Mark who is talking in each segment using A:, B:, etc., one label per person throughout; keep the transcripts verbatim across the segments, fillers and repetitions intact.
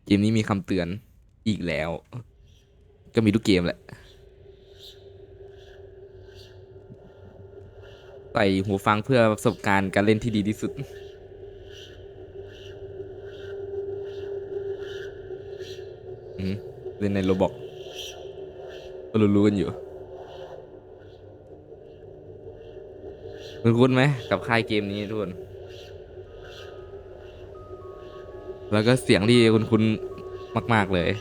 A: เกมนี้มีคำเตือนอีกแล้ว ก็มีทุกเกมแหละใส่หูฟังเพื่อประสบการณ์การเล่นที่ดีที่สุดอืมเล่นในโรบอกก็รู้ๆกันอยู่คุณคุ้นไหมกับค่ายเกมนี้ทุกคนแล้วก็เสียงที่คุณคุ้นมากๆเลย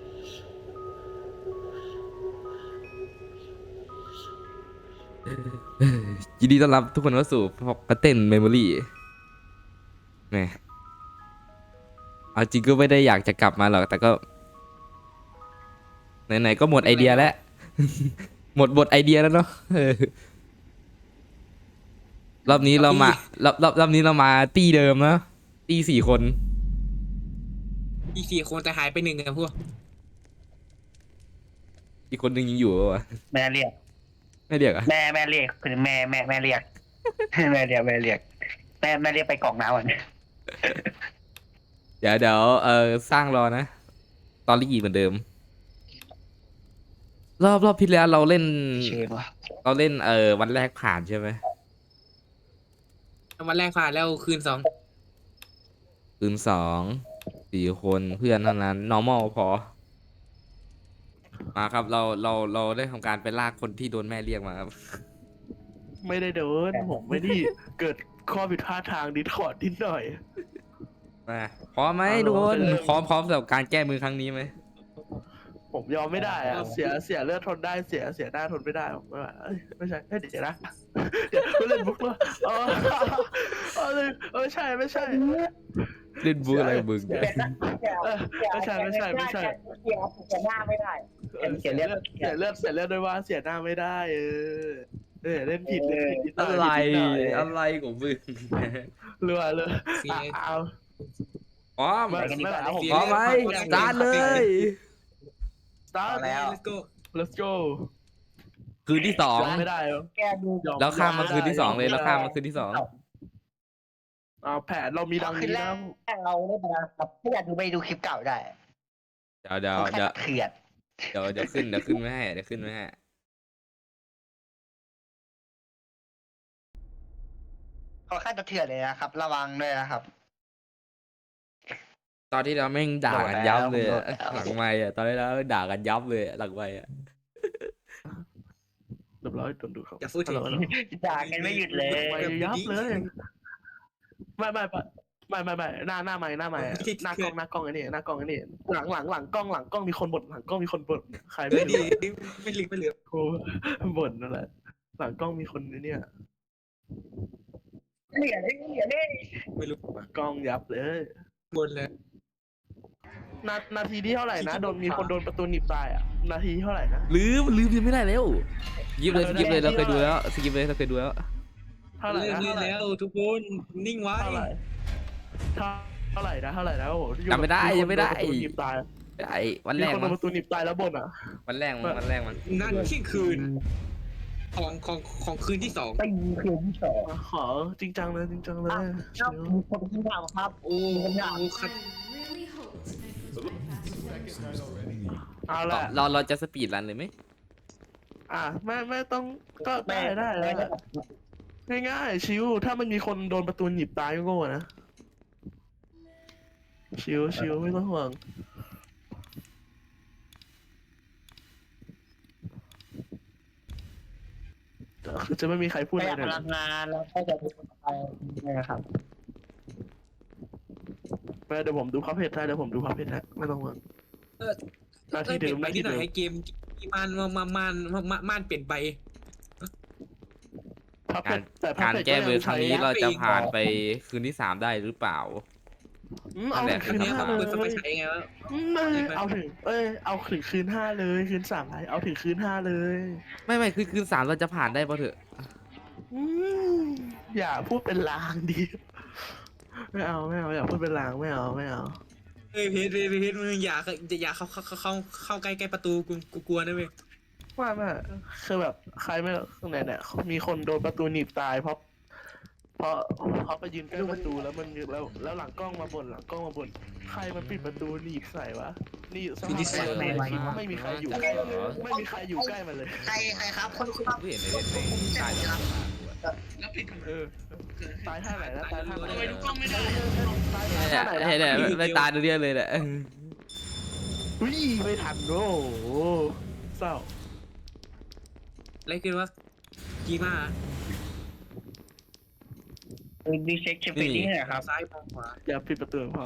A: ยินดีต้อนรับทุกคนเข้าสู่พอกเต้นเมมโมรี่แหมเอาจริงก็ไม่ได้อยากจะกลับมาหรอกแต่ก็ไหนๆก็หมดไอเดียแล้วหมดบทไอเดียแล้วเนาะเออรอบนี้เรามารอบรอบรอบนี้เรามาตีเดิมนะตีสี่คน
B: อีกสี่คนแต่หายไปหนึ่งอะพวก
A: อีกคนหนึ่งยังอยู่ปะวะ
C: แม่เรียก
A: ไม่เรียกอะ
C: แม่แม่เรียกคือแม่แม่แม่เรียกแม่เรียกแม่เรียกแม่แม่เรียกไปกรอกน้ำก่อน
A: เดี๋ยวเดี๋ยวเออสร้างรอนะ ตอนลีเหมือนเดิม รอบรอบที่แล้วเราเล่น
C: เชื่อวะ
A: เราเล่นเออวันแรกผ่านใช่ไหม
B: วันแรกผ่านแล้วคืนสอง
A: คืนสองสี่คนเพื่อนเท่านั้น normal พอ มาครับเราเราเราได้ทำการไปลากคนที่โดนแม่เรียกมาครับ
D: ไม่ได้โดนผมไม่ได้เกิดข้อผิดพลาดทางดิสคอร์ดนิดหน่อย
A: มาพร้อมไหม
D: เอา
A: ทุกคน
D: เริ่ม
A: พร้อมพร้อมสำหรับการแก้มือครั้งนี้ไหม
D: ผมยอมไม่ได้อะเสียเสียเลือดทนได้เสียเสียหน้าทนไม่ได้ผมไม่ว่าเอ้ยไม่ใช่เอ้ยเดี๋ยวนะเดี๋ยวไม่เล่นบุกแล้วเออเออเออใช่ไม่ใช่
A: เล่นบูอะไรกับมึงเนี่ย
D: เออไม่ใช่ไม่ใช่ไม่ใช่
C: เสียเสียหน้าไม่ได้
D: เออเสียเลือดเสียเลือดเสียเลือดด้วยว่าเสียหน้าไม่ได้เออเออเล่นผิดเล่นผิดนิดหน่
A: อะ
D: อย
A: ไร
D: ผิดนิดหน่อย
A: อะไรของมึง
D: รัวเลย
B: เสีย
D: อ่ะเอา
A: พร้อม
D: ไม่ไม่เอาผม
A: พร้อมไหมสตาร์ทเลย
D: สตาร์ท
C: แล้ว
B: let's go
D: let's go
A: คืนที่สอง
D: ยอมไม่ได้เหรอ
C: แกดู
A: แล้วข้ามมาคืนที่สองเลยแล้วข้ามมาคืนที่สอง
D: อ่าแผนเรามีดัง
C: ขึ้น
D: นี้
C: แร
D: นะ
C: กเราได้มาครับถ้าอยากดูไปดูคลิปเก่าได้
A: เดี๋ยวเดี๋ยว
C: เขาแค่
A: เดี๋ยว
C: เถื่อน
A: เดี๋ยวเดี๋ยวขึ้นเดี๋ยวขึ้นไม่ให้เดี๋ยวขึ้นไม่ให้
C: เขาแค่จะเถื่อนเลยนะครับ ระวังด้วยนะครับ
A: ตอนที่เราแม่งด่ากันยับเลยอะ
C: โดนแล้ว
A: หลังไม่อะตอนที่เราด่ากันยับเลยอะหลังไม่อะ
D: เรียบร้อยโดนดูเขา
B: อย่าพูดถึง
D: ฮัลโหลฮัลโหล
C: ด่ากันไม่หยุดเลย
D: ไม่ยับเลยไม่ไม่ไม่ไม่ไม่หน้าหน้าไม่หน้าไม่หน้ากล้องหน้ากล้องไอ้นี่หน้ากล้องไอ้นี่หลังหลังหลังกล้องหลังกล้องมีคนบ่นหลังกล้องมีคนบ่นใคร
B: เฮ้
D: ไม่
B: ยดี
D: รู้
B: ดีไม่ลืมไม่ลืม
D: โอ้บ่นนั่นแหละหลังกล้องมีคนไอ้เนี่ย
C: เหลี่ยเลยเหลี่ยเลย
B: ไม่รู้
D: หลังกล้องยับเลย
B: บนเลย
D: นานาทีที่เท่าไหร่นะโดนมีคนโดนประตูหนีบตายอ่ะนาทีเท่าไหร่นะ
A: ลืมลืมยังไม่ได้แล้วยิบเลยสกิปเลยเราเคยดูแล้วสกิปเลยเราเคยดูแล้ว
D: เท่าไหร่
B: เล่น
D: นะ
B: เล่นแล้วทุกคนนิ่งไว้
D: เท่าไหร่เท่าเท่าไหร่นะเท่าไหร่นะโอ้โห
A: จำไม่ได้ยังไม่ได้
D: คนโดนประตูหนีบตาย
A: ไอ้วัน
D: มี
A: แรก
D: คนโด
A: มัน
D: นประตูหนีบตายแล้วบ่นอ่ะ
A: วันแรกมันวันแรกมัน
B: นั่นเที่ยงคืน ของของของคืนที่สอง
C: ไปยิงคืนที่สอง
D: ขอจริงจังเลยจริงจังเลย
C: ครับมีคนที่ถามครับ
B: โอ้โหคัด
D: เอาละ
A: เราเราจะสปีดรันเลยไหม
D: อ่ะไม่ไม่ต้องก็ได้ได้ได้ง่ายๆชิวถ้ามันมีคนโดนประตูหนีบตายก็โง่นะชิวชิวไม่ต้องห่วงคือจะไม่มีใครพูด
C: ป
D: อะ
C: ระห
D: ไร
C: ยัด
D: เล
C: พ
D: ย
C: ลังงานแล้วก็จะไปนะครับ
D: ไม่เดี๋ยวผมดูพับเพจให้เดี๋ยวผมดูพับเพจให้ไม่ต้องห่วง
B: เออ
D: หน้า
B: เอ
D: ที่
B: อเป
D: เดิ
B: ลี่ย
D: ม
B: น
D: ห
B: ไป
D: น้า
B: นิ
D: ที่
B: ดหน่อ
D: เดิ
B: ย
D: ม
B: ให้เกมมันมันมันมันมันมันเปลี่ยนไป
D: พับเพ
A: การ
D: จแต่พับ
A: การ
D: เพจ
A: แก้มือค
D: ใช้
A: รั้งนี้เราจะผ่านไปคืนที่สามได้หรือเปล่า
D: อืมเอาถึงคืน
B: เนี้ย
D: ห้า
B: มัน
D: เล
B: เปิดสไป
D: ย
B: ใช้ไงวะ
D: อืมไม่เอาถึงเอ้ยเอาถึงคืนห้าเลยคืนสามไปเอาถึงคืนห้าเลย
A: ไม่ไม่คือคืนสามเราจะผ่านได้ปะเถอะ
D: อืมอย่าพูดเป็นลางดิไม่เอาไม่เอาอย่าพูดเป็นลางไม่เอาไม่เอา
B: เฮ้ยเพชรเพชรเพชรมึงอย่าอย่าเข้าเข้าเข้าเข้าใกล้ใกล้ประตูกูกูกลัวนะเว้ย
D: ว่าไม่คือแบบใครไม่ไหนเนี่ยมีคนโดนประตูหนีบตายเพราะเพราะเขาไปยืนใกล้ประตูแล้วมันแล้วแล้วหลังกล้องมาบ่นหลังกล้องมาบ่นใครมันปิดประตูหนีบใส่วะนี่สภาพเลยไม่มีใครอยู่ใกล้ไม่มีใครอยู่ใกล้มันเลย
C: ใครใครครับคนครับ
A: กูเห็นในเน็ตในตายจะมากูอะ
B: แล้วปิด
D: เออตายท่าไหนนะตายท่าไหน
B: ทำไมดูกล้องไม่ได้
D: ตาย
A: เนี่ย
D: ท่าไหนนะ
A: เนี่ยเนี่ยไม่ตายตัวเดียวเลยแหละ
D: อุ้ยไม่ทันโอ้โหเศร้า
B: อะไรคือว่ากีมา
C: ดีเช็คเช็คไปนี่นะครับ
B: ซ้ายมองขวา
D: อย่าปิดประตูพอ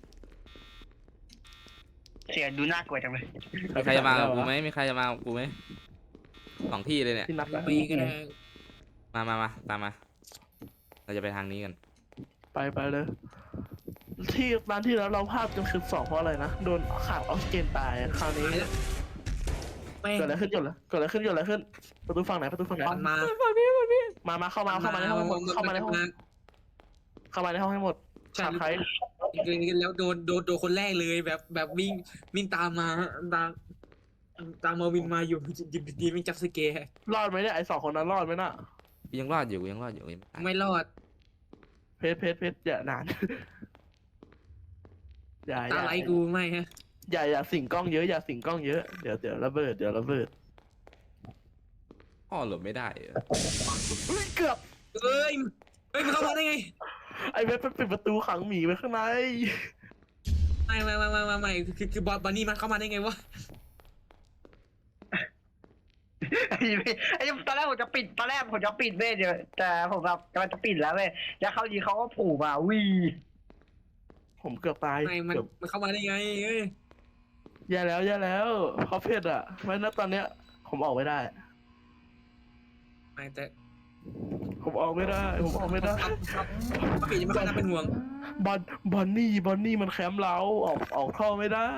C: เสียดูน่ากลัวจังเลย
A: มีใครจะมากับกูไหมมีใครจะมากับกูไหมสองที่เลยเนี่ย
D: ที่นัดอะ
B: ไปก็ได้
A: มามามาตามมา เราจะไปทางนี้กัน
D: ไปไปเลย ที่ร้านที่แล้วเราพลาดจนคืนสองเพราะอะไรนะโดนขาดออกซิเจนตายคราวนี้
B: ไม่
D: เกิดอะไรขึ้นเกิดอะไรเกิดอะไรขึ้นเกิดอะไรขึ้นประตูฝั่งไหนประตูฝั่งไหน
B: มันมา
D: มามาเข้ามาเข้ามาในห้องให้หมดเข้ามาในห้องเข้ามาในห้องให้หมด
B: ใช่
D: ขาดใคร
B: แล้วโดนโดนโดนคนแรกเลยแบบแบบวิ่งวิ่งตามมาตามตามมาวินมาอยู่ดีดีวิ่งจับสเกร์
D: รอดไหมเนี่ยไอสองคนนั้นรอดไหมน่ะ
A: กูยังรอดอยู่กูยังรอดอยู่ยังไม่ตาย
B: ไม่รอด
D: เพชรเพชรเพชรอย่านานอย่าอ
B: ตา
D: ย่า
B: ไหลกูไม่ฮะ
D: อย่าอย่าสิงกล้องเยอะอย่าสิงกล้องเยอะเดี๋ยวเดี๋ยวระเบิดเดี๋ยวระเบิด
A: พ่อหลบไม่ได้เหรอ
D: เฮ้ยเกือบ
B: เอ้ยเฮ้ยมันเข้ามาได้ไง
D: ไอเว็บไปปิดประตูขังหมีไว้ข้างใน
B: ไม่ไม่ไม่ไม่ไม่ไม่คือคือบอลบอลนี่มันเข้ามาได้ไงวะ
C: ไอ้ไอ้ตอนแรกผมจะปิดตอนแรกผมจะปิดเว้ยเดี๋ยวแต่ผมแบบกำลังจะปิดแล้วเว้ยแล้วเขายีเขาก็ผูมาวี
D: ผมเกือบตาย
B: ไม่มัน
D: เกือบ
B: มันเข้ามาได้ไงเอ้ย
D: แย่แล้วแย่แล้วเพราะเพชรอ่ะไม่นะตอนเนี้ย ผมออกไม่ได้
B: ไม่แต่
D: ผมออกไม่ได้ ผมออกไม่ได้
B: ครับครับป้าปีจะไม่ค่อยน่าเป็นห่วง
D: บอนบอนนี่บอนนี่มันแคมป์เราออกออกท่อไม่ได้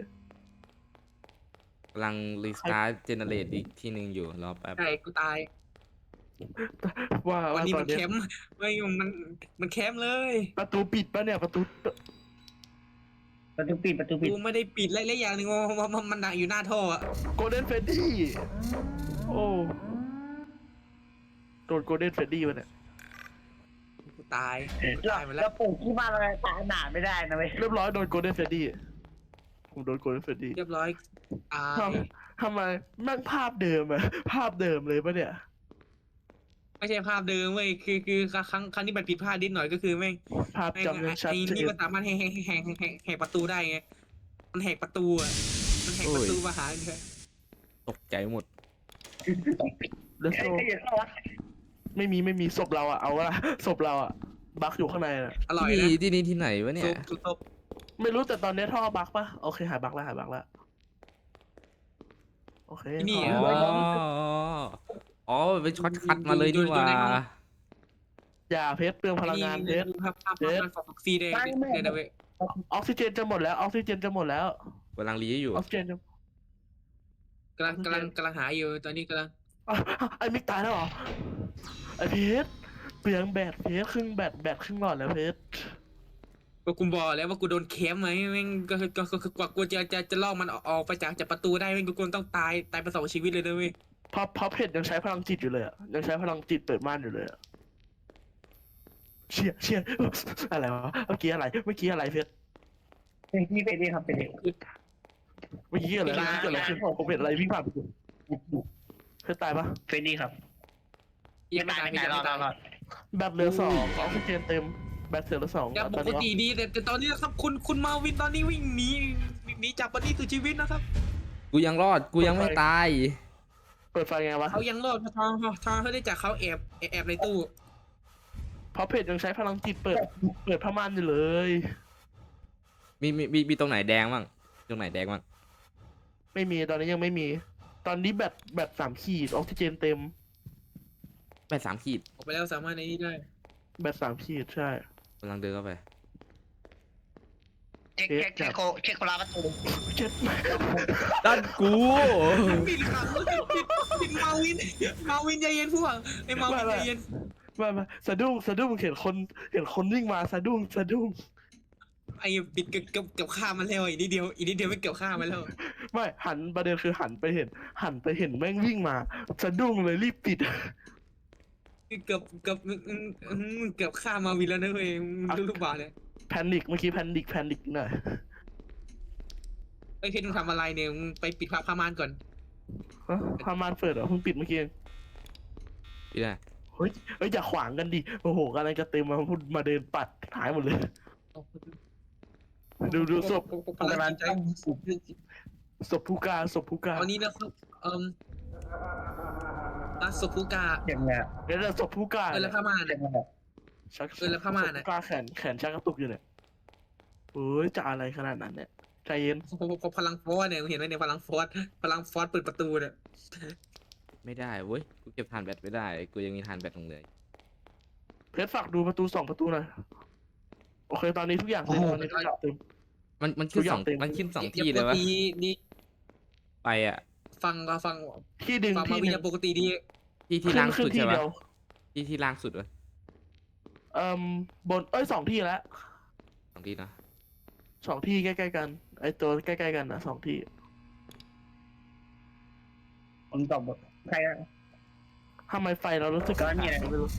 A: กำลังรีสตาร์ทเจเนเรตอีกที่หนึ่งอยู่รอแป๊บ
B: ใช่กูตาย
D: ว่า
B: วัน
D: ว่า
B: นี้
D: ตอ
B: มัน น
D: เนี้
B: แค
D: ย
B: มป์ไม่มันมันแคมป์เลย
D: ประตูปิดปะเนี่ยประตู
C: ประตูปิดประตูปิด
B: กูไม่ได้ปิดและและอย่างหนึ่งว่ามันมันหนักอยู่หน้าท่ออะ
D: โกลเด้นเฟดดี้โอ้โดนโกลเด้นเฟดดี้มาเนี่ย
B: กูตายกู
C: แล้ว
B: ตายหมดแล้
C: แล้ว วปลูกที่บ้านอะไรตายหนาไม่ได้นะเว้ย
D: เรียบร้อยโดนโกลเด้นเฟดดี้ผมโดนโกลเด้นเฟดดี้
B: เรียบร้อยตาย
D: ทำทำไมแม่งภาพเดิมอะภาพเดิมเลยปะเนี่ย
B: ไม่ใช่ภาพเดิมเว้ยคือคือครั้งครั้งนี้มันผิดพลาดนิดหน่อยก็คือแม่ง
D: ภาพ
B: แม่ง
D: จำยังชัด
B: ไอ้
D: เจ
B: นี่
D: น
B: มันสามารถแหกแหกแหกแหกแหกแหกประตูได้ไงมันแหกประตูอ่ะมันแหกประตูมาหาเนี่ย
A: ตกใจหมด
D: แล้ว
C: ใคร
D: โซ
C: ใครจะเข้าวะ
D: ไม่มีไม่มีศพเราอะเอาละศพเราอะบักอยู่ข้างในอะ
B: อร่อย
A: ที่
B: นะ
A: นี่ที่นี่ที่ไหนวะเนี่
B: ซุ
A: ย
B: ปซุปซุป
D: ไม่รู้แต่ตอนนี้ท่อบักปะโอเคหายบักแล้วหายบักแล้วโอเค
B: นี่
A: อ๋
B: อ่ะ
A: ออ๋อไปช็อตคัดมาเลยนี่หว่า
D: อย่าเพชรเปลืองพลังงานเพชร
B: ภาพภาพภาพมันฟอกซีแดงเนี่ยนะเว้ย
D: ออกซิเจนจะหมดแล้วออกซิเจนจะหมดแล้ว
A: กำลังรีอยู่
D: ออกซิเจนจะ
B: กำลังกำลังกำลังหาอยู่ตอนนี้กำลัง
D: อ่ะไอ้มิกตายแล้วเหรอไอ้เพชรเปลืองแบตเพชรครึ่งแบตแบตครึ่งหลอดแล้วเพชร
B: ก็กูบอกแล้วว่ากูโดนแคมไหมแม่งก็ก็ก็กว่ากูจะจะจะลอกมันออกไปจากจากประตูได้แม่งกูต้องตายตายไปสองชีวิตเลยนะเว้ย
D: เพราะเพราะเพชรยังใช้พลังจิตอยู่เลยอะยังใช้พลังจิตเปิดม่านอยู่เลยอะเชี่ยเชี่ยอะไรวะเมื่อกี้อะไรเมื่อกี้อะไรเพชร
C: นี่เป็นนี่ครับเป็นนี่
D: เมื่อกี้อะไรเมื่อกี้เกิดอะไรขึ้นผมเห็นอะไรวิ่งผ่านเพชรตายปะ
C: เฟนดี้ครับ
B: ยังไม่ตายไม่
C: ไม่
B: ตาย
C: ตายรอดรอด
D: แบตเหลือสองออกซิเจนเต็มแบตเหลือสอง
B: ยังป
D: ตอน
B: ก
D: นี้
B: ติดีแต่แต่ตอนนี้นะครับคุณคุณมาวินตอนนี้วิ่งหนีหนีจากปฏิสุดชีวิตนะครับ
A: กูยังรอดกูยังไม่ตาย
D: เปิดไฟไงวะ
B: เขายังรอดทางทางเขาได้จากเขาแอบแอบในตู้
D: เพราะเพจยังใช้พลังจิตเปิดเปิดผ้าม่านอยู่เลย
A: มีมีมีมีตรงไหนแดงบ้างตรงไหนแดงบ้าง
D: ไม่มีตอนนี้ยังไม่มี ตอนนี้แบตแบตสามขีดออกซิเจนเต็ม
A: แปดสามขีด
B: ออกไปแล้วสามารถในนี้ได้
D: แบตสามขีดใช่
A: กำลังเดินเข้าไป
C: เช็คเช็คเช็คโคเช็คโคราประตู
D: เจ็ด
A: ด้านกู
B: ปิดขังปิดปิดมาวินมาวินใจเย็นพวกไอ้มาวินใจเย็น
D: มามาสะดุ้งสะดุ้งเห็นคนเห็นคนวิ่งมาสะดุ้งสะดุ้ง
B: ไอ้ปิดเกือบเกือบเกือบฆ่ามันแล้วอีกนิดเดียวอีกนิดเดียวไม่เกือบฆ่ามันแล้ว
D: ไม่หันประเด็นคือหันไปเห็น หันไปเห็นแม่งวิ่งมาสะดุ้งเลยรีบปิด
B: เกือบเกือบอืมอืมอืมเกือบฆ่ามาวินแล้วนะเว้ยมึงรู้หรือเปล่าเนี่ย
D: แพนิคเมื่อกี้แพนิคแพนิคหน่อย
B: ไอ้ยเพชรมึงทำอะไรเนี่ยมึงไปปิดผ้าผ้าม่านก่อน
D: ฮะพามานเปิดเหรอเพิ่งปิดเมื่อกี้เอง
A: พี่ได้
D: เฮ้ยเฮ้ยอย่าขวางกันดิโอ้โหกำลังจะเต็มมาพูดมาเดินปัดหายหมดเลย ดูดูศพ
B: กำลังใจ
D: ศพผู้การศพผู้การ
B: ตอนนี้นะครับเอ่มอ่ะศพผู้กา
C: เจ็บเนี่ย
D: เดี๋ยวเดี๋ยวศพผู้การ
B: เออแล้วผ้าม่าน
C: เจ็
B: เนี่ย
C: บเนี่ย
D: ชัก
B: เออแล้วผ้าม่าน
D: ศพ
B: อะ
D: ผู้การแขนแขนชักกระตุกอยู่เนี่ยเฮ้ยจะอะไรขนาดนั้นเนี่ยใจเย็น
B: พพพลังฟอสเนี่ยมึงเห็นไหมเนี่ยพลังฟอสพลังฟอสเปิดประตูเนี่ย
A: ไม่ได้เว้ยกูเก็บฐานแบตไม่ได้กูยังมีฐานแบตของเหลย
D: เพชรฝากดูประตูสองประตูหน่อยโอเคตอนนี้ทุกอย่างเต็มตอนนี้ทุกอย่างเต็ม
A: มันมันขึ้น
D: ทุกอ
A: ส
D: ย่า
A: อง ง
D: เต็ม
A: มันขึ้นสอง
B: อย่า
A: ที่เลยวะ
B: ปกตินี่
A: ไปอ่ะ
B: ฟังก็ฟัง
D: ที่ดึง
B: ฟังมา
D: ที่
B: วิ
D: ห
B: ญ
D: นึ่
B: ญาง ปกติดี
A: ที่ที่
D: ขึ้น
A: ล่าง
D: ขึ้
A: สุ
D: น
A: ด
D: ที่
A: ใช่ปะ
D: เดียว
A: ที่ที่ล่างสุดวะ
D: เอ่มบนเอ้ยสองที่แล้ว
A: สองที่นะ
D: สองที่ใกล้ๆกันไอตัวใกล้ๆกันนะสองที่
C: ผมตอบใครอะ
D: ทำไมไฟเรารู้สึก
C: ก็เนี่ย
D: ไม่รู้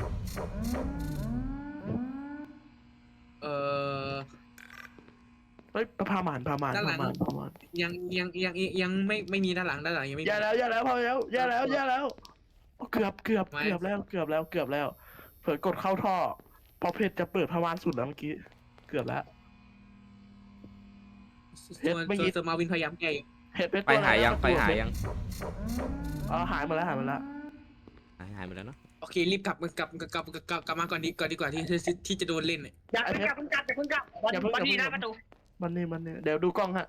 B: เออ
D: เฮ้ยพาหมานพาหมาน
B: ด้านหลั
D: พาง หมานพาหมาน
B: ยังยังยังยังไม่ไม่มีด้านหลังด้านหลังยังไม่มี
D: อย่าแล้วอย่าแล้วพอแล้วอย่าแล้วอย่าแล้วโอ้เกือบเกือบ
B: ไม่
D: เกือบแล้วเกือบแล้วเกือบแล้วเผื่อกดเข้าท่อพอเพชรจะเปิดพามานสุดแล้วเมื่อกี้เกือบแล้ว
B: ส่วน
D: เมื่อกี้
B: ส่วนมาวินพยายามแก้อยู่
D: เห็ดเพชร
A: ไป
D: ตัว
A: หายยัง
D: อะรนะ
A: ไปหายยัง
D: อ๋อหายมาแล้วหายมาแล้ว
A: หายหายไปแล้วเนาะ
B: โอเครีบกลับกลับกลับกลับกลับกลับกลับมาก่อนดีก่อนดีกว่าที่ที่ที่จะโดนเล่นเนี่ย
C: อย่าเพิ่งกลับเพิ่งกลับอย่าเพิ่งกลับวัน
D: อย่าเพิ่ง
C: วันนี้
D: อย่า
C: นะ
D: เพิ่ง
C: ประตู
D: มันนี่มันนี่เดี๋ยวดูกล้องฮะ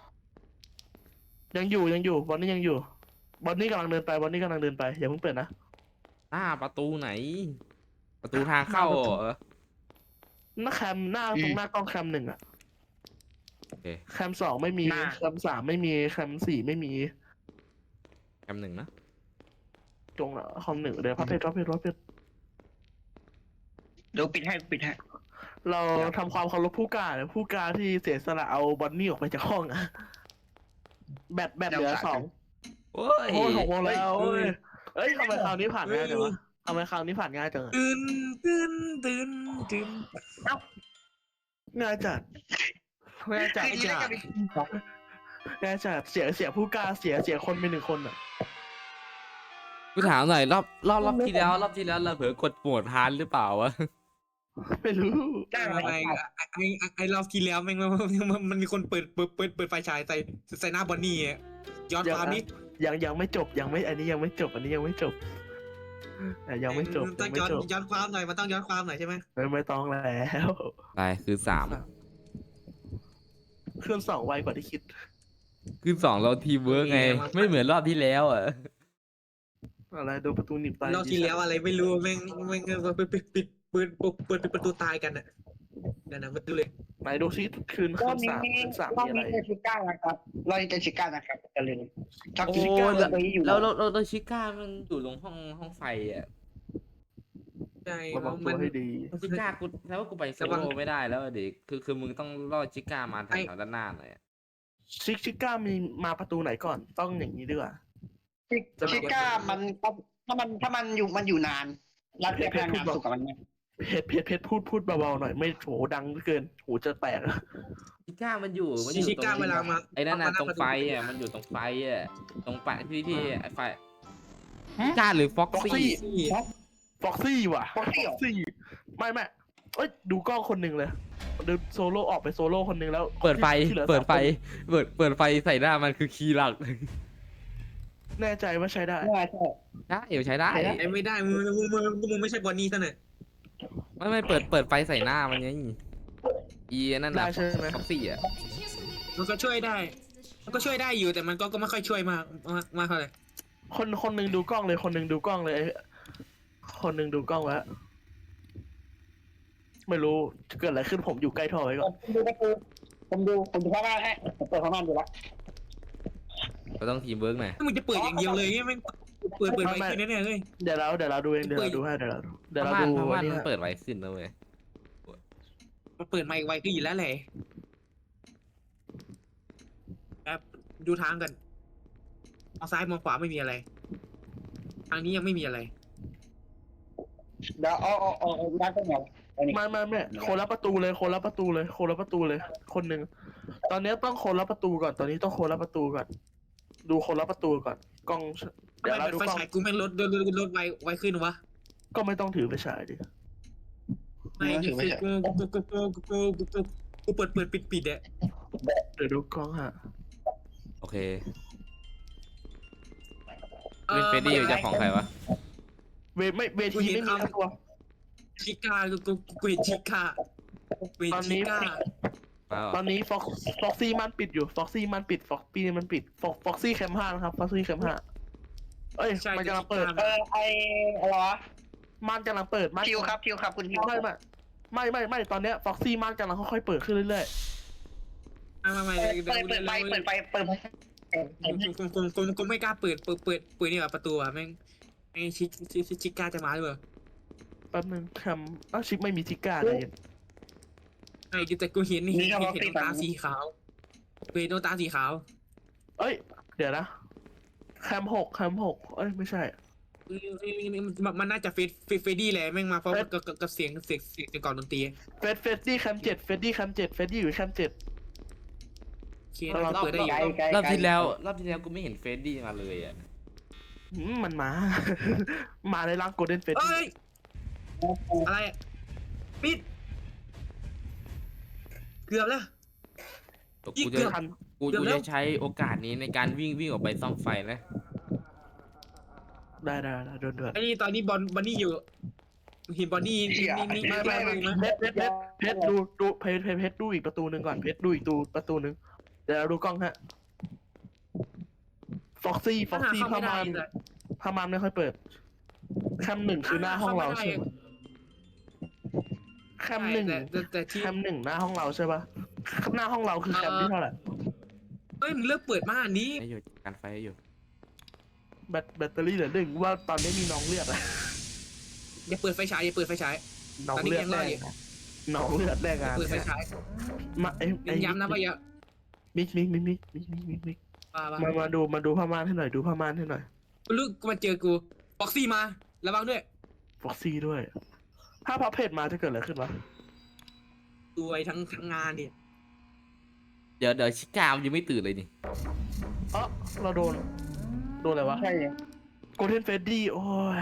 D: ยังอยู่ยังอยู่บอลนี่ยังอยู่บอลนี่กำลังเดินไปบอลนี่กำลังเดินไปอย่าเพิ่งเปิดนะ
A: หน้าประตูไหน ประตูทางเข้า
D: หน้าประตู
A: เหรอ
D: หน้าแคมหน้าตรงหน้ากล้องแคมหนึ่งอะ
A: โอเค
D: แคมสองไม่มีแคมสามไม่มีแคมสี่ไม่มี
A: แคมหนึ่งนะ
D: ตรงคอมหนึ่งเดี๋ยวพับเพชรพับเพชรพับเพชร
C: เดี๋ยวปิดให้ปิดให้
D: เราทำความเคารพผู้กล้าเนี่ยผู้กล้าที่เสียสละเอาบอนนี่ออกไปจากห้องอะแบตแบตเหลือสอง
A: โอ้ย
D: โอ้ยหกโมงแล้วเอ้ยเอ้ยทำไมคราวนี้ผ่านง่ายจังวะทำไมคราวนี้ผ่านง่ายจังอะ
B: ตื่นตื่นตื่นตื่น
D: ง่ายจัดง่ายจัด
C: คือดีแล้วกันดิ
D: ง่ายจัดเสียเสียผู้กล้าเสียเสียคนไปหนึ่งคนอะ
A: กูถามหน่อยรอบรอบรอบที่แล้วรอบที่แล้วเราเผลอกดโหมดฮาร์ดหรือเปล่าวะ
D: ไม่รู้
C: ได้ไหม
B: ไอ้ไอ้ไอ้ไอ้ไอ้รอบที่แล้วแม่งมันมันมันมีคนเปิดเปิดเปิดเปิดไฟฉายใส่ใส่หน้าบอนนี่อะย้อนความนี้
D: ยังยังไม่จบยังไม่อันนี้ยังไม่จบอันนี้ยังไม่จบแต่ยังไม่จบ
B: ต้
D: ยั
B: อง
D: งไม่
B: ย้อน
D: จบ
B: ย้อนความหน่อยมันต้องย้อนความหน่อยใช่ไหม
D: ไม่ไม่ต้องแล้ว
A: ไปคือสาม
D: เครื่องสองไวกว่าที่คิด
A: คือสองเราทีมเวิร์กไง ไม่เหมือนรอบที่แล้วอ่ะ
D: อะไรดูประตูหนีบตาย
B: รอบที่แล้วอะไรไม่รู้แม่งแม่งปิดปิดปิดเปิดเปิดปิดประตูตายกันอ่ะนั่นนะมาดูเลย
D: ไหนดูซิคืน
C: ร
D: คื
C: อบ
D: น
C: นี้
D: สามคืนสาม
C: รอ
D: มี
C: บ
D: อะไร
C: นี้เจชิก้านะครับรอบนี้เจชิก้านะครับจะลืมชอบ
A: โอ้
C: เจชิก้า
A: แล้ว
C: เลยอยู่
A: แล้วแล้วแล้วชิก้ามันอยู่ตรงห้องห้องไฟอ่ะ
B: ใช่
D: ระวังตั
B: มั
D: วน ให้ดี
A: ชิก้ากูแล้วว่ากูไปโซโล่ไม่ได้แล้วอะดิคือคือมึงต้องล่อชิก้ามาทางแถวด้านหน้าหน่อยอะ
D: ชิคชิก้ามีมาประตูไหนก่อนต้องอย่างนี้ดีกว่า
C: ชิก้ามันถ้ามันถ้ามันอยู่มันอยู่นานแล้วเรียกพลังงานสุกกับมันไหม
D: เพชรเพชรเพชรพูดพูดเบาๆหน่อยไม่โหดังเหลือเกินหูจะแตก
A: ชิก้ามันอยู่มันอ
B: ชิ
A: ยู่
B: ชิ
A: ตรง
B: ก้าเวลามา
A: ไอ้นั่นน่ะตรงไฟอ่ะมันอยู่ตรงไฟอ่ะตรงไฟที่ที่ไอ้ไฟชิก้าหรือฟ็อกซี่
D: ฟ็อกซี่ว่ะ
C: ฟ็อกซี่เหรอ
D: ซี่ไม่ไม่เอ้ยดูกล้องคนหนึ่งเลยเดินโซโล่ออกไปโซโล่คนหนึ่งแล้ว
A: เปิดไฟ
D: ที่หลือ
A: เปิดไฟ
D: สามคน
A: เปิดเปิดไฟใส่หน้ามันคือคีย์หลัก
D: แน่ใจว่าใช้ได้
C: ใช่ใช่
A: ได้เดี๋ยวใช้ได้
C: ใช้ได้
B: ไอ้ไม่ได้มึงมึงมึงมึงไม่ใช่บอนนี่ซะหน่อย
A: ไม่ไม่เปิดเปิดไฟใส่หน้ามันไงอีนั่น
D: ได้
A: น่ะ
D: ใช่ไหม
A: ฟ็อกซี่อ่ะ
B: มันก็ช่วยได้ มันก็ช่วยได้อยู่แต่มันก็ก็ไม่ค่อยช่วยมากมากมากเท่าไหร่
D: คนคนหนึ่งดูกล้องเลยคนหนึ่งดูกล้องเลยไอ้คนหนึ่งดูกล้องไว้ไม่รู้เกิดอะไรขึ้นผมอยู่ใกล้ท่อไว้ก่อน
C: ผมดูประตูผมดูผมดูข้างหน้าให้ผมเปิดข้างหน้าดูละ
A: ก็ต้องทีมเวิร์กหน่อย
B: ถ้ามึงจะเปิดอย่างเดียวเลยแม่งเปิดเปิดไปแค่นั้นเนี่ยเฮ้ย
D: เดี๋ยวเราเดี๋ยวเราดูเองเดี๋ยวเราดูให้เดี๋ยวเราดูเดี๋ยว
A: พ
D: เรา
A: ม่าน
D: ดู
A: พม่าน
D: อันนี้
A: มัน
D: ฮะ
A: เปิดไวขึ้นนะเว้ย
B: มันเปิดไมค์ไวขึ้นอยู่แล้วแหละแอบดูทางกันมองซ้ายมองขวาไม่มีอะไร ทางนี้ยังไม่มีอะไร
C: เดี๋ยวเอาเอาเอาเอาร้านตรงไหนอันนี้
D: ไม่ไม่ไม่คนละประตูเลยคนละประตูเลยคนละประตูเลย คนหนึ่งตอนนี้ต้องคนละประตูก่อนตอนนี้ต้องคนละประตูก่อนดูคนละประตูก่อนกล้อง
B: ทำ
D: เดี๋ยว
B: ไม
D: เรา
B: เป็น
D: ดู
B: ไฟ
D: กล้อง
B: ฉายกูแม่งลดลดลดลดไวไวขึ้นวะ
D: ก็ไม่ต้องถือไปฉายดิ
B: ไม่คือกูกูกูกูกูกูกูกูกูเปิดเปิดปิดปิดอะ
D: เดี๋ยวดูกล้องฮะ
A: โอเคเป็นเฟรดดี้อยู่เจ้าของใครวะ
D: เวไม่เวทีไม่มีทั้งตัว
B: ชิก้ากูกูกูเห็นชิก้ากูเห็นชิก้า
A: มาเหรอ
D: ตอนนี้ฟ็อกฟ็อกซี่มันปิดอยู่ฟ็อกซี่มันปิดฟ็อกปี้มันปิดฟ็อกฟ็อกซี่แคมห้านะครับฟ็อกซี่แคมห้าเอ้ยมันกำลังเปิด
C: เออไออะไรวะ
D: มันกำลังเปิดมัน
C: ทิวครับทิวครับคุณทิว
D: ไม่ไม่ไม่ไม่ไม่ตอนเนี้ยฟ็อกซี่มันกำลังค่อยๆเปิดขึ้นเรื่อย
B: ไม่ไม่ไม่
C: เปิดเปิดไฟเปิดไฟเปิดไฟ
B: กูกูกูกูไม่กล้าเปิดเปิดเปิดเปิดนี่แบบประตูอะแม่งไอ้ชิชิชิก้าจะมาหรือเปล่า
D: ๆแป๊บนึงแคมอ้าวชิปไม่มีทิก้าเลย
B: ไอ้แต่กูเห็นเห็นเห็นตาสีขาวเห็นตาสีขาว
D: เอ้ยเดี๋ยวนะแคมหกแคมหกเอ้ยไม่ใช่
B: มันน่าจะเฟดเฟดดี้แหละแม่งมาเพราะกับเสียงเสียงเสียงก่อนดนตรี
D: เฟสเฟสดี้แคมเจ็ดเฟสดี้แคมเจ็ดเฟสดี้อยู่แคมเจ็ด
B: เคเราเปิดได้อยู่
A: รอบที่แล้วรอบที่แล้วกูไม่เห็นเฟรดดี้มาเลยอ่ะ
D: อืมมันมา มาในร่างโกลเด้นเฟส
B: เอ้ยอะไรปิดเกือบแล้ว
A: กูจะกูกูจะใช้โอกาสนี้ในการวิ่งวิ่งออกไปซ่อมไฟนะ
D: ได้ได้ได้เดือดเดือด
B: ไอ้นี่ตอนนี้บอลบอนนี่อยู่เห็นบอนนี่นี่นี่
D: ไม่ไม่ไม่
B: นะ
D: เพชรเพชรเพชรเพชรดูดูเพชรเพชรเพชรดูอีกประตูหนึ่งก่อนเพชรดูอีกตูประตูหนึ่งเดี๋ยวเราดูกล้องฮะฟอ็อกซี่ฟ็อกซี่พามานพามานไม่ค่อยเปิดแคมหนึ่งคือหน้าห้องเราใช่ไหมแคมหนึ่ง
B: แต่แต่ที่
D: แคมหนึ่งหน้าห้องเราใช่ปะหน้าห้องเราคือแคมที่เท่าไหร่
B: เอ้ยมึงเลิกเปิดมาอันนี้
A: ให้อยู่การไฟให้อยู่
D: แบตแบตเตอรี่เหลือหนึ่งว่าตอนนี้มีน้องเลือดอะ
B: อย่าเปิดไฟฉายอย่าเปิดไฟฉาย
D: น้องเลือดแรงน้องเลือดแรงงาน
B: เปิดไฟฉาย
D: มาไอ้ไอ้
B: ย้ำนะว่าอย่า
D: มิกมิกมิกมิกมิกมิกมิกมิก
B: ว่า
D: มามาดูมาดูผ้าม่านให้หน่อยดูผ้าม่านให้หน่อย
B: ลูกมาเจอกูบ็อกซี่มาระวังด้วย
D: ฟ็อกซี่ด้วย ถ้าพับเพจมาจะเกิดอะไรขึ้นวะ
B: ตัวยทั้งทั้งงานเนี่ย
A: เดี๋ยวเดี๋ยวชิก้ามันยังไม่ตื่นเลยนี่
D: เออเราโดน โดนอะไรวะ
C: ใช่
D: โกลเด้นเฟดดี้โอ้ย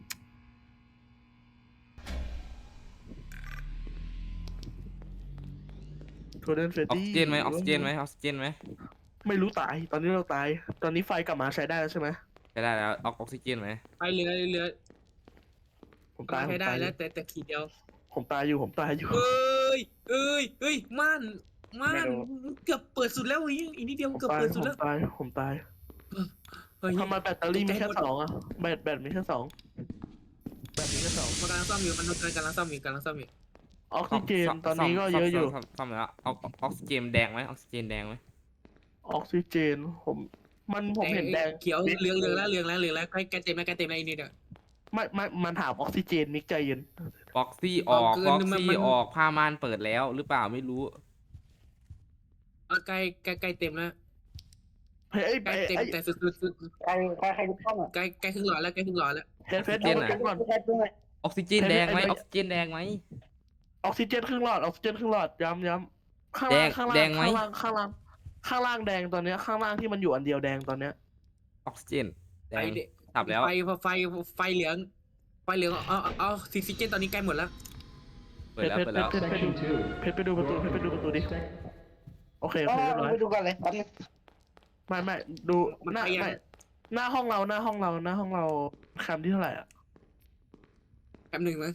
D: โกลเด้นเฟด
A: ออก
D: ดี้
A: ซิเจนไหมออกซิเจนไหมออกซิเจนไหม
D: ไม่รู้ตาย ตอนนี้เราตาย ตอนนี้ไฟกลับมาใช้ได้แล้วใช่ไหม
A: ใช้ได้แล้วออกออกซิเจนไหม
B: ไปเหลือเหลือ
D: ผมตาย
B: ใช้
D: ผม
B: ได้
D: ตายอ
B: แล้
D: ยู่
B: วแต่แต่ขีดเดียว
D: ผมตายอยู่ผมตายอยู่
B: เอ้ยเอ้ยเอ้ยม่านม่านเกือบเปิดสุดแล้วอีกนิดเดียว
D: ผม
B: เกือบ
D: ตาย
B: เปิด
D: ผ
B: สุด
D: ม
B: แล้ว
D: ตายผมตาย
B: เฮ้ย
D: ทำไมแบตเตอรี่มีแค่สองอะแบตแบตมีแค่สองแบตมีแค่สอง
B: มันกำลังซ่อมอยู่มันกำลังซ่อมอยู่กำลังซ่อมอยู่
D: ออกซิเจนตอนนี้ก็เยอะอยู่
A: ซ่มซ่อมแล้วออกออกซิเจนแดงไหมออกซิเจนแดงไหม
D: ออกซิเจนผมมันผมเห็นแดง
B: เขียวเหลืองเหลืองแล้วเหลืองแล้วเหลืองแล้วใกล้ใกล้เต็มแล้วใกล้เต็มแล้วอีกนิดเดียว
D: ไม่ไม่มันถามออกซิเจนมิกใจเย็น
A: ฟ็อกซี่ออก
B: เอาเกิน
A: ฟ็อก
B: มัน
A: ซี่
B: มัน
A: ออกผ้าม่านเปิดแล้วหรือเปล่าไม่รู้
B: ใกล้ใกล้ใกล้เต็มแล้ว
D: เฮ้ย
B: ใกล้
D: ไอ้
B: เต็ม
D: ไอ้
B: แต่สุดสุดสุด
C: ใครใครใครดูกล้องอ่ะ
B: ใกล้ใกล้ครึ่งหลอดแล้วใกล้ครึ่งหลอดแล้ว
D: เพชรเพชรดูเก็บก่อน
C: ใครดูหน่อย
A: ออกซิเจนแดงไหมออกซิเจนแดงไหม
D: ออกซิเจนครึ่งหลอดออกซิเจนครึ่งหลอดย้ำย้ำข้าง
A: แด
D: ล่าง
A: ง
D: ข้าง
A: แด
D: ล่าง
A: งไหม
D: ข้างล่างข้างล่างข้างล่างแดงตอนเนี้ยข้างล่างที่มันอยู่อันเดียวแดงตอนเนี้ย
A: ออกซิเจนแด
B: ไฟ
A: งสับแล้ว
B: ไฟไฟไฟเหลืองไฟเหลืองเอาเอาซิซิเจนตอนนี้ใกล้หมดแล้ว
A: เปิดแล้วเปิดแล้ว
D: เพชรไปดูเพชรไปดูประตูเพชรไปดูประตูดิโอเคโอ
C: อ๋อ
D: เคเรียบร้อย
C: ไปดูกันเลยแป๊บนึง
D: ไม่ไม่ดูหน้าไม่หน้าห้องเราหน้าห้องเราหน้าห้องเราแคมที่เท่าไหร่อ่ะ
B: แป๊บหนึ่งนะ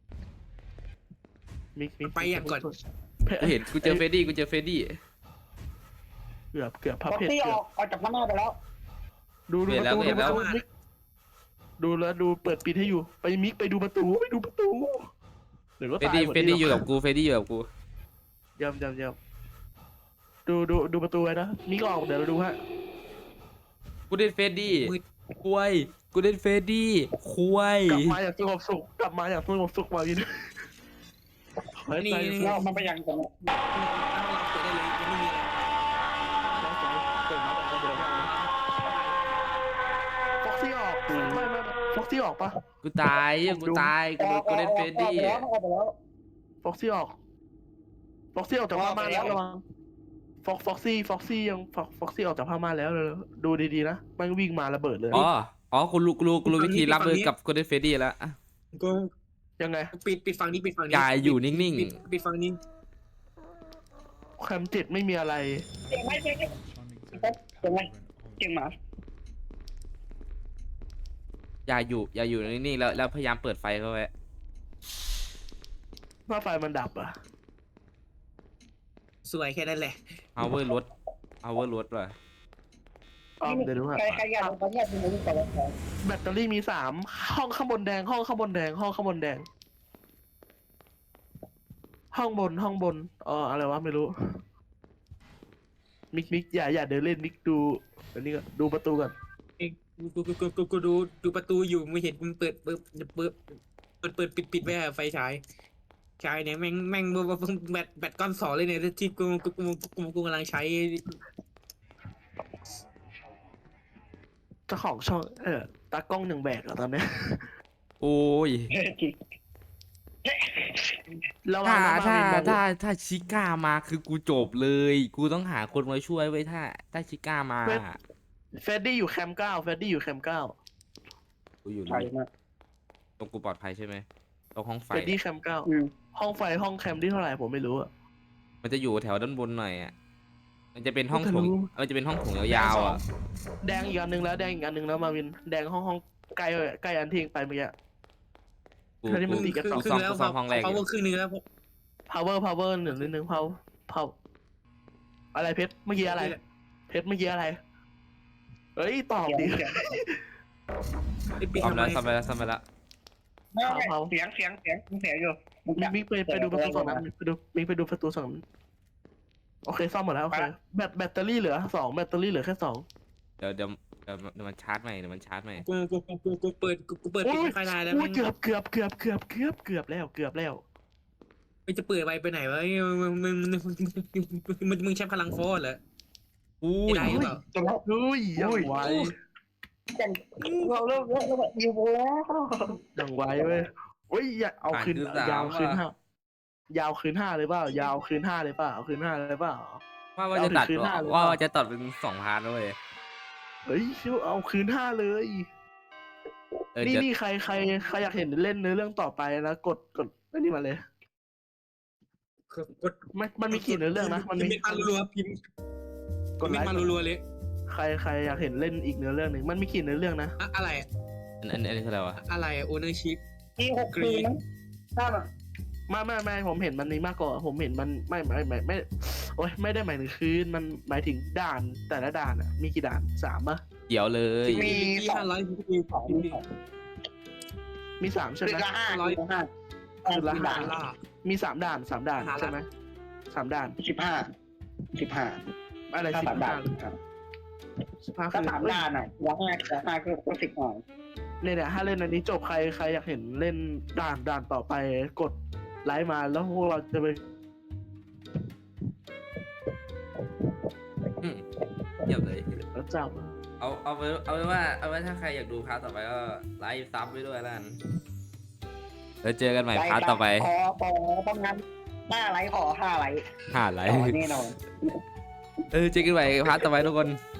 D: มิกมิก
B: ไปอย่างก่อน
D: เพชร
A: กูเห็นกูเจอเฟรดดี้กูเจอเฟรดดี้
D: เกือบเกือบพับ
C: บ็อก
D: เพชร
C: ซี่
D: เกื
C: อ
D: อ
C: อบ กออกจากพม่าไปแล้ว
D: ดูดูประตูดูประตูมิกดูแล้วดูเปิดปิดให้อยู่ไปมิกไปดูประตูไปดูประตูเดี๋ยวก็
A: เฟรด
D: ตาย
A: ดี้
D: หมด
A: เฟรดดี้อยู่กับกูเฟรดดี้อยู่กับกู
D: ยำยำยำดูดูดูประตูไว้นะมิกออกเดี๋ยวเราดูฮะ
A: กูเล่นเฟรดดี้คุยกูเล่นเฟรดดี้คุย
D: กลับมาอย่างสงบสุขกลับมาอย่างสงบสุขมาวิน
B: นี่
C: เรามันไปยังกัน
B: เปิดได้เลยยังไม่มีเลย
D: ฟ็อกซี่ออกไม่ไม่ฟ็อกซี่ออกปะ
A: กูตายกูตายกูโดนกูเล่นเฟดดี้
C: ออกไปแล้ว
D: ฟ็อกซี่ออกฟ็อกซี่ออกจากผ้าม่านแล้วระวังฟ็อกฟ็อกซี่ฟ็อกซี่ยังฟ็อกฟ็อกซี่ออกจากผ้าม่านแล้วเลยดูดีๆนะมันวิ่งมาระเบิดเลย
A: อ๋ออ๋อกูรู้กูรู้กูรู้วิธีรับมือกับกูเล่นเฟดดี้แล้วอะ
B: กู
D: ยังไง
B: ปิดปิดฝั่งนี้ปิดฝั่งนี้
A: อย่าอยู่นิ่งๆ
B: ปิดปิดฝั่งนี้
D: แคมเจ็ดไม่มีอะไร
C: เก่งไหมเก่งไหมเก่งไหมเก่งหมา
A: อย่าอยู่อย่าอยู่นิ่งๆแล้วแล้วพยายามเปิดไฟเข้าไว้
D: ถ้าไฟมันดับอ่ะ
B: สวยแค่นั้นแหละ
A: power ลด power ลดว่ะ
D: อ๋อเดี๋ยวดูฮะ
C: ใครใครอยากลงไปเนี่ยดูนี่ก่อนแล้วกัน
D: แบตเตอรี่มีสามห้องข้างบนแดง ห้องข้างบนแดง ห้องข้างบนแดง ห้องบนห้องบนเอออะไรวะไม่รู้ มิกมิกอย่าอย่าเดินเล่นมิกดูอันนี้ก่อนดูประตูก่อน
B: เองกูกูกูกูกูดูดูประตูอยู่ไม่เห็นมันเปิดเปิดเปิดเปิดเปิดปิดปิดไว้อะไฟฉายฉายเนี่ยแม่งแม่งแบตแบตก้อนสองเลยเนี่ยที่กูกูกูกูกูกำลังใช้
D: เจ้าของช่องเออตากล้องหนึ่งแบกเหรอตอนเนี้ย
A: โอ้ย
C: จริง
D: ระวัง
A: ถ้า
D: นะ
A: ถ้า
D: มาวินมอง
A: ถ้าถ้าชิก้ามาคือกูจบเลย กูต้องหาคนมาช่วยไว้ยถ้าถ้าชิก้ามา
D: เฟดดี้อยู่แคมป์เก้าเฟดดี้อยู่แคมป์เก้า
A: กูอยู่
C: ใช่
A: นี่
C: มาก
A: ตรงกูปลอดภัยใช่ไหมตรงห้องไฟ
D: เฟดดี้แคมป์เก้า
C: อืม
D: ห้องไฟห้องแคมป์ที่เท่าไหร่ผมไม่รู้อะ
A: มันจะอยู่แถวด้านบนหน่อยอ่ะมันจะเป็นห้อง
D: ก็
A: โถง
D: รู้
A: มันจะเป็นห้องโถงยาวๆอ่ะ
D: แดงอีกอันหนึ่งแล้วแดงอีกอันหนึ่งแล้วมาวินแดงห้องห้องใกล้ใกล้อันทิ้งไปเมื่อกี้
A: กู
D: เธอนี่มัน
A: กู
D: ติดกับ
B: ครึ่ง
A: กู
B: ครึ่
A: ซ่อม
B: งแล้ว
A: กูซ่อมห้องแรกอ
B: เขา
A: ยู่
B: ครึ่งนึงแล้ว
D: power power หนึ่งนิดนึง power power อะไรเพชรเมื่อกี้อะไร เพชรเมื่อกี้อะไร เอ้ยตอบดิ
A: ซ่อมแล้วซ่อมไปแล้วซ่อมไปแล้ว
C: ไม่ไม่เสียงเสียงเสียงเสียงอยู่
D: มิกมิกไปไปดูประตูสองนั้นไปดูมิกไปดูประตูสองนั้นโอเคซ่อมหมดแล้วโอเคแบตแบตเตอรี่เหลือสองแบตเตอรี่เหลือแค่สอง
A: เดี๋ยวเดี๋ยวเดี๋ยวเดี๋ยวมันชาร์จใหม่เดี๋ยวมันชาร์จใหม่
B: กูกูกูกูกูเปิดกูกูเปิดปิด
D: อุ้ย
B: ไฟลายแล้ว
D: อุ้
B: มั
D: ย
B: น
D: เกือบเกือบเกือบเกือบเกือบเกือบแล้วเกือบแล้ว
B: มันจะเปิดไวไปไหนวะมึงมึงมึงมึงมึงใช้พลังโฟร์เหรอ
A: อุ้ย
B: ได้หรือเปล่า
C: จะแล้ว
D: อุ้ยยังไว
C: อย่างเราเริ่มเริ่มเริ่มอยู่แล้ว
D: ยังไวเว้ยอุ้ยอย่าเอาคืนยาวคืนห้า ยาวคืนห้าเลยเปล่ายาวคืนห้าเลยเปล่าเอาคืนห้าเลยเปล่า
A: ว่าว่าจะตัด
D: เอาถึงคืนหน้าเลย
A: ว่า
D: เปล่า
A: ว่าจะตัดเป็นสองพาร์ทด้วย
D: เฮ้ยชิวเอาคืนห้าเลย
A: เออ
D: นี่
A: เดี๋ยว
D: นี่ใครใครใครอยากเห็นเล่นเนื้อเรื่องต่อไปนะกดกดอันนี้มาเลย
B: กด
D: มันมันมีกี่เนื้อเรื่องนะมันมี
B: พิมพ์มารัวๆพิมพ์
D: กด
B: พิ
D: ไล
B: มพ์
D: ค์
B: มารัวๆเลย
D: ใครใครอยากเห็นเล่นอีกเนื้อเรื่องหนึ่งมันมีกี่เนื้อเรื่องนะ
B: อะอะไร
A: อันอันอันนี้คืออะไรวะ
B: อะไรโอเนอร์ชิพ
C: ปีหกปีมั้งถ้าแบบ
D: ไม่ไม่ไม่ผมเห็นมันนี้มากกว่าผมเห็นมันไม่ไม่ไม่ไม่โอ้ยไม่ได้หมายถึงคืนมันหมายถึงด่านแต่ละด่านอ่ะมีกี่ด่านสามปะ
A: เกี่ยวเลย
C: มี
B: มี
C: สอง
B: ห้าร้อย
C: สองสอง
D: มีสามใช่
C: คื
D: ไห
C: อ
D: ม
C: ละห้าคือละห้า
D: คือละห้า
B: ดอลลาร์
D: มีสามด่านสามด่าน
B: หาละ
D: ใช่ไหมสามด่าน
C: สิบห้าสิบห้า
D: อะไร
C: ถ้า
D: สิบ
C: สาม
D: ห้า
C: ด่าน
D: สิบห้า
C: ถ้า
D: คือ
C: สามด่านอ่ะละห้าละห้าก็ก็สิบหน่อย
D: เนี่ยเนี่ยถ้าเล่นอันนี้จบใครใครอยากเห็นเล่นด่านด่านต่อไปกดไลค์มาแล้วพวกเราจะไป
A: อืมเกี่ยวเลย
D: แล้วจับ
A: เอาเอาไว้เอาไว้ว่าเอาไว้ถ้าใครอยากดูพาร์ทต่อไปก็ไลฟ์ซับไว้ด้วยแล้วกันแล้วเจอกันใหม่พาร์ทต่อไป
C: ขอขอต้องงั้นห้าไลค์ขอห้าไลค์
A: ห้าไล
C: ต่
A: ฟ์
C: อแน่นอน
A: เออเจอกันใหม่พาร์ทต่อไปทุกคน
C: บ